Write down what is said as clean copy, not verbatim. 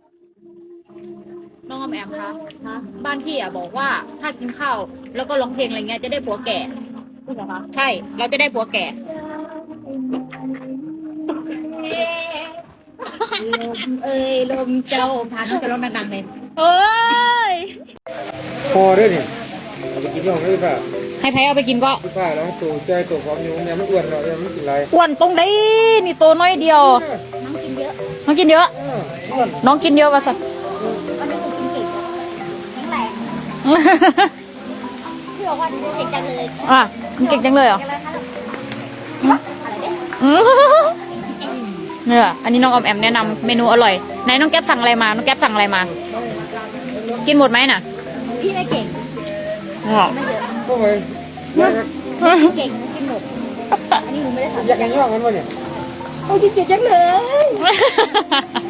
น้องออมแอมคะบ้านพี่อ่ะบอกว่าถ้ากินข้าวแล้วก็ร้องเพลงอะไรเงี้ยจะได้ผัวแก่พูดเหรอคะใช่เราจะได้ผัวแก่ลมเอ้ยลมเจ้าพันจะร้องดังๆเลยเอ้ยพอด้วยนี่เอาไปกินที่ห้องได้ป่ะให้ใครเอาไปกินก็พี่ป้าแล้วตัวใจตัวพร้อมอยู่เนี่ยมันอ้วนเราเนี่ยมันกินอะไรอ้วนตรงนี้นี่ตัวน้อยเดียวน้องกินเยอะน้องกินเยอะอ้วนน้องกินเยอะวะสัสวันนี้หนูกินเก่งแข็งแรงพี่บอกว่าหนูเก่งจังเลยอ่ะมันเก่งจังเลยเหรออะไรคะอะไรเนี่ยอืมเนี่ยอันนี้น้องออมแอมแนะนำเมนูอร่อยไหนน้องแก๊ปสั่งอะไรมาน้องแก๊ปสั่งอะไรมา กินหมดไหมน่ะพี่ไม่เก่งอ๋อไม่เยอะก็ไปเก่งกินหมดอันนี้หนูไม่ได้ทำอยากกินย่องกันวะเนี่ยโอ้กินเก่งจังเลย